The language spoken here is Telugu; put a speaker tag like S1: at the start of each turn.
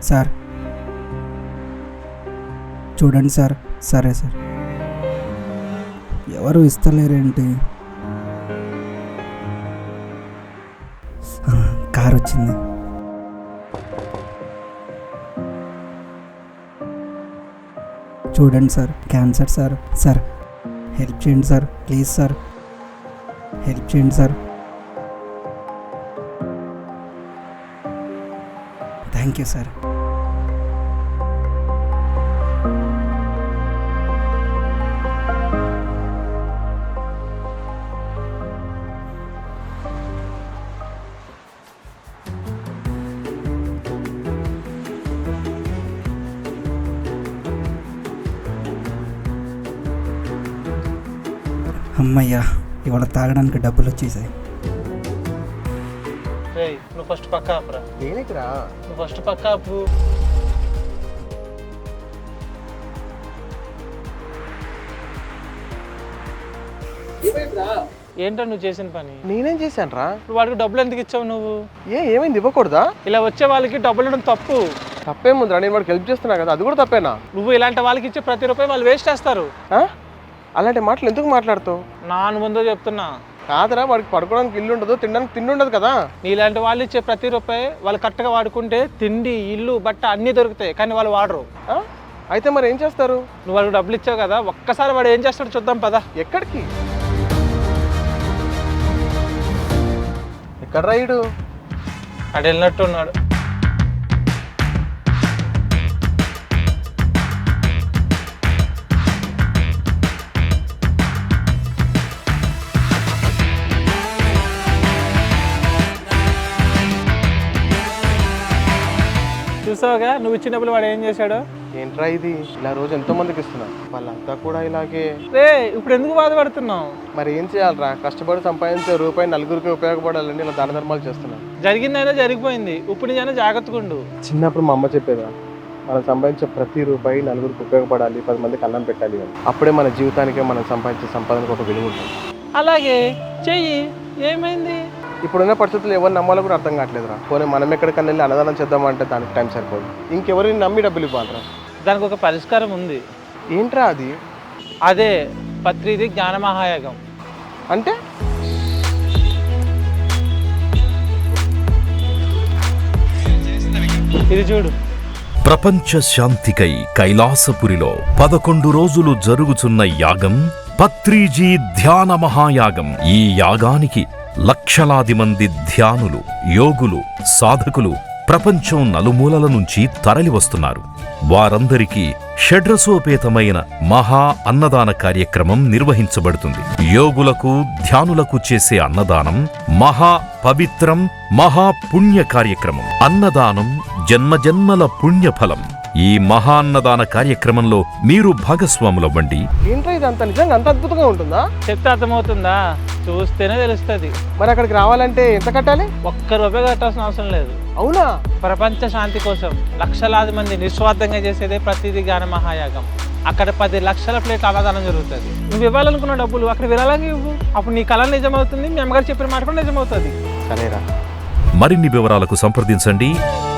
S1: సార్ చూడండి సార్. సరే సార్. ఎవరు ఇస్తలేరేంటి? కార్ వచ్చింది. చూడండి sir, cancer sir. Sir help చేయండి సార్, ప్లీజ్ సార్, హెల్ప్ చేయండి సార్. Thank you sir. అమ్మయ్యా, ఇవాళ తాగడానికి డబ్బులు వచ్చేసాయి.
S2: నువ్వు ఫస్ట్ పక్క ఆపురా.
S3: దేనికిరా?
S2: నువ్వు ఫస్ట్ పక్క ఆపు. ఏంటో నువ్వు చేసిన పని?
S3: నేనేం చేశాను రా?
S2: ఇప్పుడు వాడికి డబ్బులు ఎందుకు ఇచ్చావు నువ్వు?
S3: ఏమైంది? ఇవ్వకూడదా?
S2: ఇలా వచ్చే వాళ్ళకి డబ్బులు ఇవ్వడం తప్పు.
S3: తప్పేముందిరా? నేను వాడికి హెల్ప్ చేస్తున్నా కదా, అది కూడా తప్పేనా?
S2: నువ్వు ఇలాంటి వాళ్ళకి ఇచ్చే ప్రతి రూపాయి వాళ్ళు వేస్ట్ చేస్తారు.
S3: అలాంటి మాటలు ఎందుకు మాట్లాడుతావు?
S2: నాను ముందో చెప్తున్నా.
S3: కాదురా, వాడికి పడుకోవడానికి ఇల్లు ఉండదు, తినడానికి తిండి ఉండదు కదా.
S2: నీలాంటి వాళ్ళు ఇచ్చే ప్రతి రూపాయి వాళ్ళు కరెక్ట్గా వాడుకుంటే తిండి, ఇల్లు, బట్ట అన్నీ దొరుకుతాయి, కానీ వాళ్ళు వాడరు.
S3: అయితే మరి ఏం చేస్తారు?
S2: నువ్వు వాళ్ళకి డబ్బులు ఇచ్చావు కదా, ఒక్కసారి వాడు ఏం చేస్తాడో చూద్దాం పదా.
S3: ఎక్కడికి? ఎక్కడ రైడు?
S2: అటు వెళ్ళినట్టు ఉన్నాడు. చూసావుగా నువ్వు ఇచ్చిన డబ్బులు వాడు ఏం చేశాడు?
S3: ఏంట్రా ఇది? ఇలా రోజు ఎంతో మందికి ఇస్తున్నా, వాళ్ళంతా కూడా ఇలాగే.
S2: రే ఇప్పుడు ఎందుకు బాధపడుతున్నావు?
S3: మరి ఏం చేయాలరా? కష్టపడి సంపాదించే రూపాయి నలుగురికి ఉపయోగపడాలని ఇలా దాన ధర్మాలు చేస్తున్నా.
S2: జరిగిందైనా జరిగిపోయింది, ఇప్పుడు నేను జాగ్రత్తగా ఉండు.
S3: చిన్నప్పుడు మా అమ్మ చెప్పేదా, మనం సంపాదించే ప్రతి రూపాయి నలుగురికి ఉపయోగపడాలి, 10 మందికి అన్నం పెట్టాలి అని. అప్పుడే మన జీవితానికే మనం సంపాదించే సంపాదనకు ఒక విలువ ఉంటుంది.
S2: అలాగే చెయ్యి, ఏమైంది?
S3: ఇప్పుడున్న పరిస్థితులు ఎవరిని నమ్మాలో కూడా అర్థం కావట్లేదురా. పోనీ మనం ఎక్కడికన్నా వెళ్ళి అన్నదానం చేద్దామంటే దానికి టైం సరిపోదు, ఇంకెవరిని నమ్మి డబ్బులు ఇవ్వాలరా?
S2: దానికి ఒక పరిష్కారం ఉంది.
S3: ఏంట్రా అది?
S2: అదే పత్రిది జ్ఞాన మహాయాగం.
S3: అంటే
S2: ఇది చూడు.
S4: ప్రపంచ శాంతికై కైలాసపురిలో 11 రోజులు జరుగుతున్న యాగం పత్రిజీ ధ్యాన మహాయాగం. ఈ యాగానికి లక్షలాది మంది ధ్యానులు, యోగులు, సాధకులు ప్రపంచం నలుమూలల నుంచి తరలివస్తున్నారు. వారందరికీ షడ్రసోపేతమైన మహా అన్నదాన కార్యక్రమం నిర్వహించబడుతుంది. యోగులకు, ధ్యానులకు చేసే అన్నదానం మహా పవిత్రం, మహా పుణ్య కార్యక్రమం. అన్నదానం జన్మజన్మల పుణ్యఫలం. ఈ మహాన్నదాన కార్యక్రమంలో మీరు భాగస్వాములవ్వండి.
S3: ఏంట్రా ఇది? అంత నిజంగా అంత అద్భుతంగా ఉంటుందా?
S2: చెప్తే అర్థమవుతుందా? చూస్తేనే తెలుస్తుంది.
S3: మరి అక్కడికి రావాలంటే ఎంత కట్టాలి?
S2: ఒక్క రూపాయి కట్టాల్సిన అవసరం లేదు.
S3: అవునా?
S2: ప్రపంచ శాంతి కోసం లక్షలాది మంది నిస్వార్థంగా చేసేదే ప్రతిదీ జ్ఞాన మహాయాగం. అక్కడ 10 లక్షల ప్లేట్ల అన్నదానం జరుగుతుంది. నువ్వు ఇవ్వాలనుకున్న డబ్బులు అక్కడ విరాళంగా ఇవ్వు. అప్పుడు నీ కళ నిజమవుతుంది, మీ అమ్మగారు చెప్పిన మాట కూడా నిజమవుతుంది.
S3: సరేరా.
S4: మరిన్ని వివరాలకు సంప్రదించండి